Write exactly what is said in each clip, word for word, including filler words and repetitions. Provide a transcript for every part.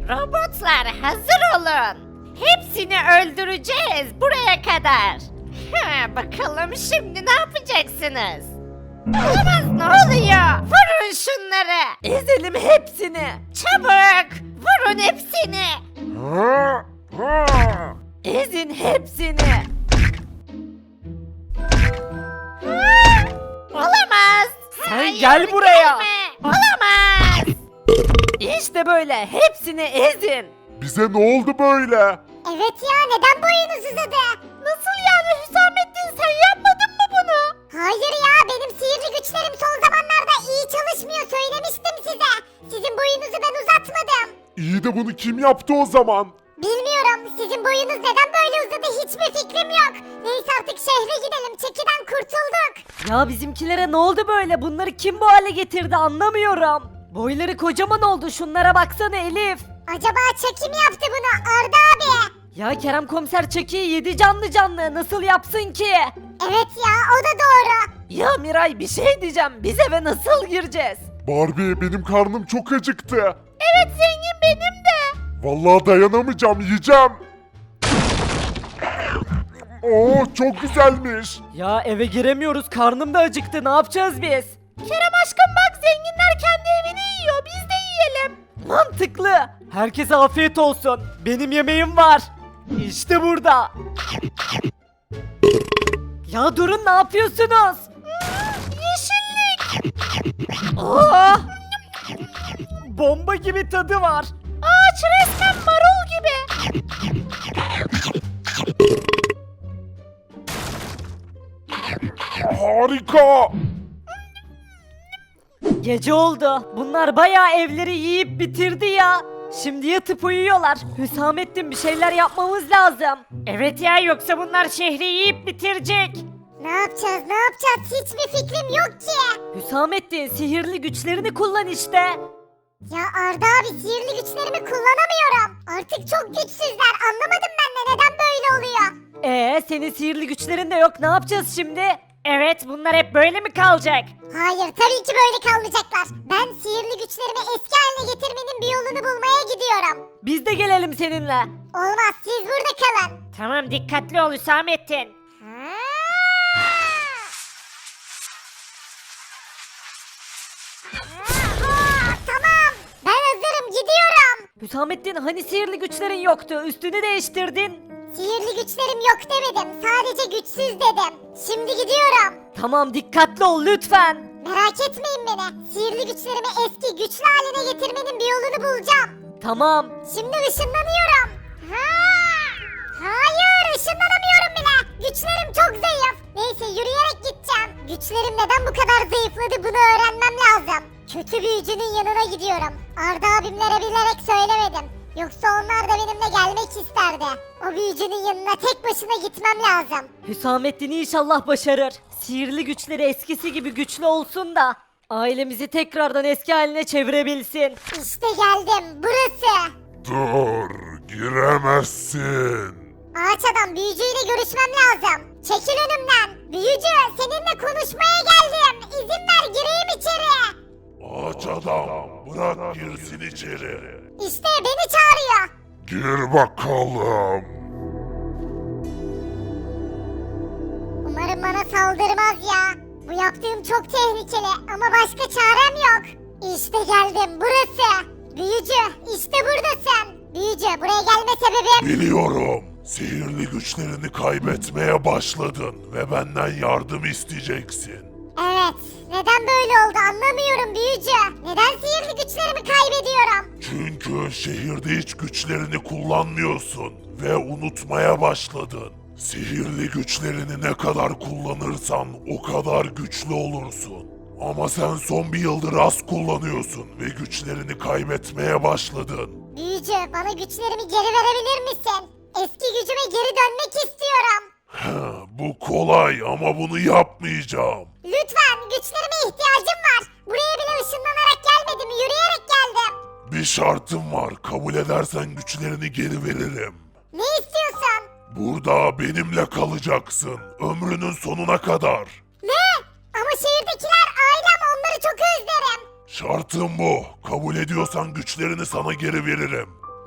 Robotlar hazır olun. Hepsini öldüreceğiz buraya kadar. Ha, bakalım şimdi ne yapacaksınız? Olamaz, ne oluyor? Vurun şunları. Ezelim hepsini. Çabuk vurun hepsini. Ezin hepsini. Ha, olamaz. Sen Hayır, gel buraya. gelme. Olamaz. İşte böyle hepsini ezin. Bize ne oldu böyle? Evet ya, neden boyunuz uzadı? Nasıl yani Hüsamettin, sen yapmadın mı bunu? Hayır ya, benim sihirli güçlerim son zamanlarda iyi çalışmıyor, söylemiştim size. Sizin boyunuzu ben uzatmadım. İyi de bunu kim yaptı o zaman? Bilmiyorum, sizin boyunuz neden böyle uzadı hiçbir fikrim yok. Neyse artık şehre gidelim, çekiden kurtulduk. Ya bizimkilere ne oldu böyle? Bunları kim bu hale getirdi anlamıyorum. Boyları kocaman oldu, şunlara baksana Elif. Acaba Çaki mi yaptı bunu Arda abi? Ya Kerem komiser Çeki'yi yedi canlı canlı nasıl yapsın ki? Evet ya, o da doğru. Ya Miray bir şey diyeceğim, biz eve nasıl gireceğiz? Barbie, benim karnım çok acıktı. Evet zengin, benim de. Vallahi dayanamayacağım, yiyeceğim. Oo, çok güzelmiş. Ya eve giremiyoruz, karnım da acıktı, ne yapacağız biz? Kerem aşkım bak, zenginler kendi evini yiyor, biz de yiyelim. Mantıklı. Herkese afiyet olsun. Benim yemeğim var. İşte burada. Ya durun, ne yapıyorsunuz? Yeşillik. Aa! Bomba gibi tadı var. Ağaç resmen marul gibi. Harika. Gece oldu. Bunlar bayağı evleri yiyip bitirdi ya. Şimdi yatıp uyuyorlar. Hüsamettin, bir şeyler yapmamız lazım. Evet ya, yoksa bunlar şehri yiyip bitirecek. Ne yapacağız ne yapacağız, hiçbir fikrim yok ki. Hüsamettin, sihirli güçlerini kullan işte. Ya Arda abi, sihirli güçlerimi kullanamıyorum. Artık çok güçsüzler, anlamadım ben de neden böyle oluyor. Ee, senin sihirli güçlerin de yok. Ne yapacağız şimdi? Evet, bunlar hep böyle mi kalacak? Hayır, tabii ki böyle kalmayacaklar. Ben sihirli güçlerimi eski haline getirmenin bir yolunu bulmaya gidiyorum. Biz de gelelim seninle. Olmaz, siz burada kalın. Tamam, dikkatli ol Hüsamettin. Tamam, ben hazırım, gidiyorum. Hüsamettin, hani sihirli güçlerin yoktu? Üstünü değiştirdin. Sihirli güçlerim yok demedim, sadece güçsüz dedim. Şimdi gidiyorum. Tamam, dikkatli ol lütfen. Merak etmeyin beni. Sihirli güçlerimi eski güçlü haline getirmenin bir yolunu bulacağım. Tamam. Şimdi ışınlanıyorum. Ha! Hayır, ışınlanamıyorum bile. Güçlerim çok zayıf. Neyse, yürüyerek gideceğim. Güçlerim neden bu kadar zayıfladı, bunu öğrenmem lazım. Kötü büyücünün yanına gidiyorum. Arda abimlere bilerek söylemedim. Yoksa onlar da benimle gelmek isterdi. O büyücünün yanına tek başına gitmem lazım. Hüsamettin inşallah başarır. Sihirli güçleri eskisi gibi güçlü olsun da ailemizi tekrardan eski haline çevirebilsin. İşte geldim, burası. Dur, giremezsin. Ağaç adam, büyücüyle görüşmem lazım. Çekil önümden. Büyücü, seninle konuşmaya geldim. İzin ver, gireyim içeri. Ağaç adam, bırak girsin içeri. İşte beni çağırıyor. Gir bakalım. Umarım bana saldırmaz ya. Bu yaptığım çok tehlikeli ama başka çarem yok. İşte geldim, burası. Büyücü, işte buradasın. Büyücü, buraya gelme sebebim... Biliyorum. Sihirli güçlerini kaybetmeye başladın ve benden yardım isteyeceksin. Evet, neden böyle oldu anlamıyorum büyücü. Neden sihirli güçlerimi kaybediyorum? Çünkü şehirde hiç güçlerini kullanmıyorsun ve unutmaya başladın. Sihirli güçlerini ne kadar kullanırsan o kadar güçlü olursun. Ama sen son bir yıldır az kullanıyorsun ve güçlerini kaybetmeye başladın. Büyücü, bana güçlerimi geri verebilir misin? Eski gücüme geri dönmek istiyorum. Ha, bu kolay ama bunu yapmayacağım. Lütfen, güçlerime ihtiyacım var. Buraya bile ışınlanarak gelmedim, yürüyerek geldim. Bir şartım var. Kabul edersen güçlerini geri veririm. Ne istiyorsun? Burada benimle kalacaksın. Ömrünün sonuna kadar. Ne? Ama şehirdekiler ailem, onları çok özlerim. Şartım bu. Kabul ediyorsan güçlerini sana geri veririm.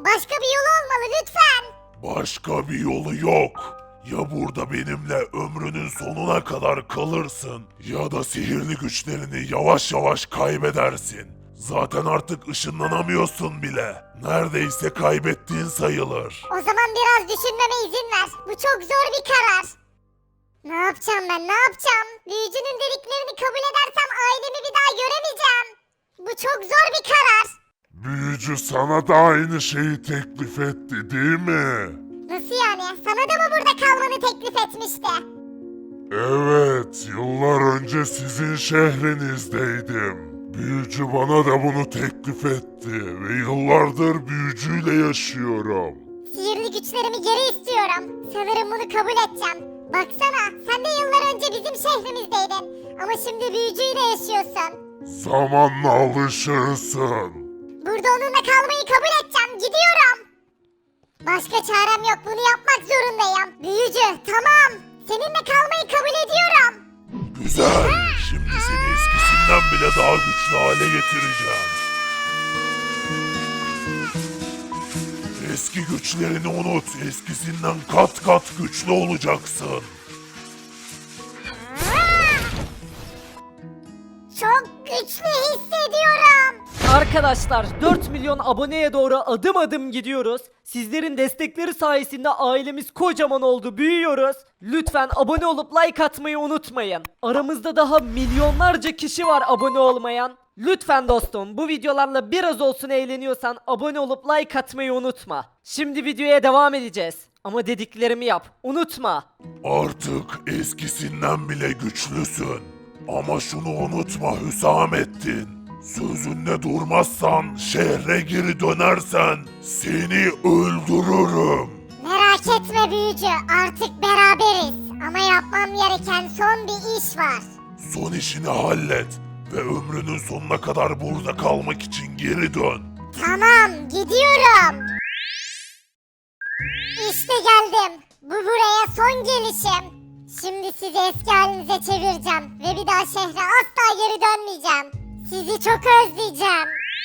Başka bir yolu olmalı lütfen. Başka bir yolu yok. Ya burada benimle ömrünün sonuna kadar kalırsın ya da sihirli güçlerini yavaş yavaş kaybedersin. Zaten artık ışınlanamıyorsun bile. Neredeyse kaybettiğin sayılır. O zaman biraz düşünmeme izin ver. Bu çok zor bir karar. Ne yapacağım ben ne yapacağım? Büyücünün dediklerini kabul edersem ailemi bir daha göremeyeceğim. Bu çok zor bir karar. Büyücü sana da aynı şeyi teklif etti değil mi? Nasıl yani? Sana da mı burada kalmanı teklif etmişti? Evet, yıllar önce sizin şehrinizdeydim. Büyücü bana da bunu teklif etti ve yıllardır büyücüyle yaşıyorum. Sihirli güçlerimi geri istiyorum. Sanırım bunu kabul edeceğim. Baksana sen de yıllar önce bizim şehrimizdeydin. Ama şimdi büyücüyle yaşıyorsun. Zamanla alışırsın. Burada onunla kalmayı kabul edeceğim. Gidiyorum. Başka çarem yok. Bunu yapmak zorundayım. Büyücü tamam. Seninle kalmayı kabul ediyorum. Güzel. Şimdi seni eskisinden bile daha güçlü hale getireceğim. Eski güçlerini unut. Eskisinden kat kat güçlü olacaksın. Çok güçlü hissediyorum. Arkadaşlar dört milyon aboneye doğru adım adım gidiyoruz. Sizlerin destekleri sayesinde ailemiz kocaman oldu, büyüyoruz. Lütfen abone olup like atmayı unutmayın. Aramızda daha milyonlarca kişi var abone olmayan. Lütfen dostum bu videolarla biraz olsun eğleniyorsan abone olup like atmayı unutma. Şimdi videoya devam edeceğiz. Ama dediklerimi yap, unutma. Artık eskisinden bile güçlüsün. Ama şunu unutma Hüsamettin. Sözünde durmazsan, şehre geri dönersen seni öldürürüm. Merak etme büyücü. Artık beraberiz. Ama yapmam gereken son bir iş var. Son işini hallet ve ömrünün sonuna kadar burada kalmak için geri dön. Tamam gidiyorum. İşte geldim. Bu buraya son gelişim. Şimdi sizi eski halinize çevireceğim. Ve bir daha şehre asla geri dönmeyeceğim. Sizi çok özleyeceğim.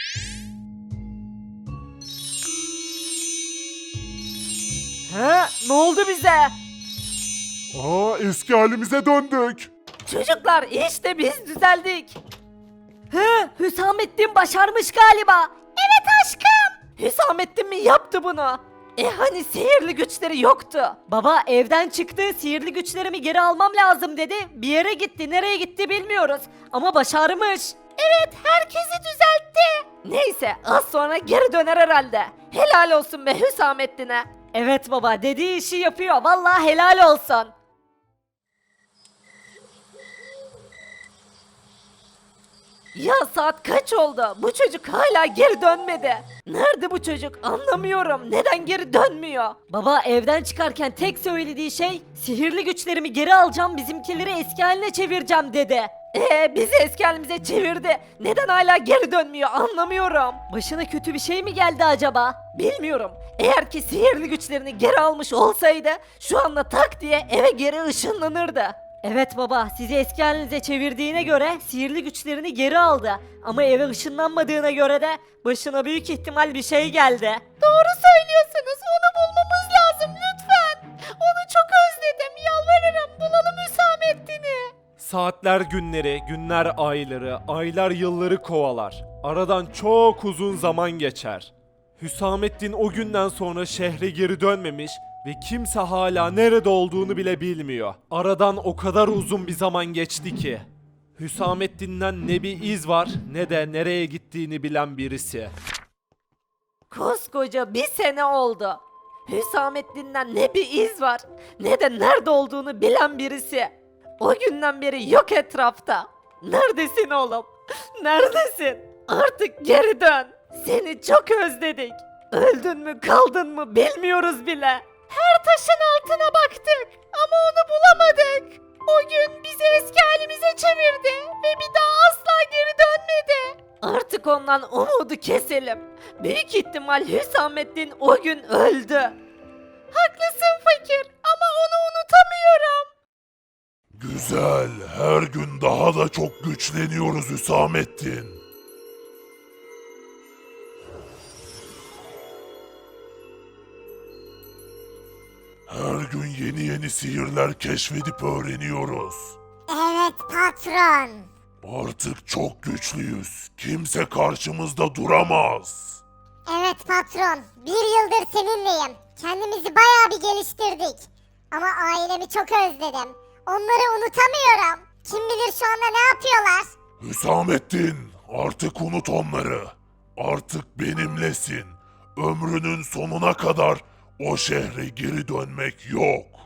He? Ne oldu bize? Aa, eski halimize döndük. Çocuklar işte biz düzeldik. He, Hüsamettin başarmış galiba. Evet aşkım. Hüsamettin mi yaptı bunu? E hani sihirli güçleri yoktu. Baba evden çıktı, sihirli güçlerimi geri almam lazım dedi. Bir yere gitti, nereye gitti bilmiyoruz. Ama başarmış. Evet, herkesi düzeltti. Neyse, az sonra geri döner herhalde. Helal olsun be Hüsamettin'e. Evet baba, dediği işi yapıyor. Vallahi helal olsun. Ya saat kaç oldu? Bu çocuk hala geri dönmedi. Nerede bu çocuk? Anlamıyorum. Neden geri dönmüyor? Baba evden çıkarken tek söylediği şey sihirli güçlerimi geri alacağım, bizimkileri eski haline çevireceğim dedi. Ee bizi eski halimize çevirdi. Neden hala geri dönmüyor anlamıyorum. Başına kötü bir şey mi geldi acaba? Bilmiyorum. Eğer ki sihirli güçlerini geri almış olsaydı şu anda tak diye eve geri ışınlanırdı. Evet baba, sizi eski halinize çevirdiğine göre sihirli güçlerini geri aldı. Ama eve ışınlanmadığına göre de başına büyük ihtimal bir şey geldi. Doğru söylüyorsunuz, onu bulmamız lazım lütfen. Onu çok özledim, yalvarırım bulalım Hüsamettin'i. Saatler günleri, günler ayları, aylar yılları kovalar. Aradan çok uzun zaman geçer. Hüsamettin o günden sonra şehre geri dönmemiş ve kimse hala nerede olduğunu bile bilmiyor. Aradan o kadar uzun bir zaman geçti ki. Hüsamettin'den ne bir iz var ne de nereye gittiğini bilen birisi. Koskoca bir sene oldu. Hüsamettin'den ne bir iz var ne de nerede olduğunu bilen birisi. O günden beri yok etrafta. Neredesin oğlum? Neredesin? Artık geri dön. Seni çok özledik. Öldün mü kaldın mı bilmiyoruz bile. Her taşın altına baktık ama onu bulamadık. O gün bizi eski halimize çevirdi ve bir daha asla geri dönmedi. Artık ondan umudu keselim. Büyük ihtimal Hüsamettin o gün öldü. Haklısın fakir ama onu unutamıyorum. Güzel, her gün daha da çok güçleniyoruz Hüsamettin. Her gün yeni yeni sihirler keşfedip öğreniyoruz. Evet patron. Artık çok güçlüyüz. Kimse karşımızda duramaz. Evet patron. Bir yıldır seninleyim. Kendimizi bayağı bir geliştirdik. Ama ailemi çok özledim. Onları unutamıyorum. Kim bilir şu anda ne yapıyorlar? Hüsamettin, artık unut onları. Artık benimlesin. Ömrünün sonuna kadar o şehre geri dönmek yok.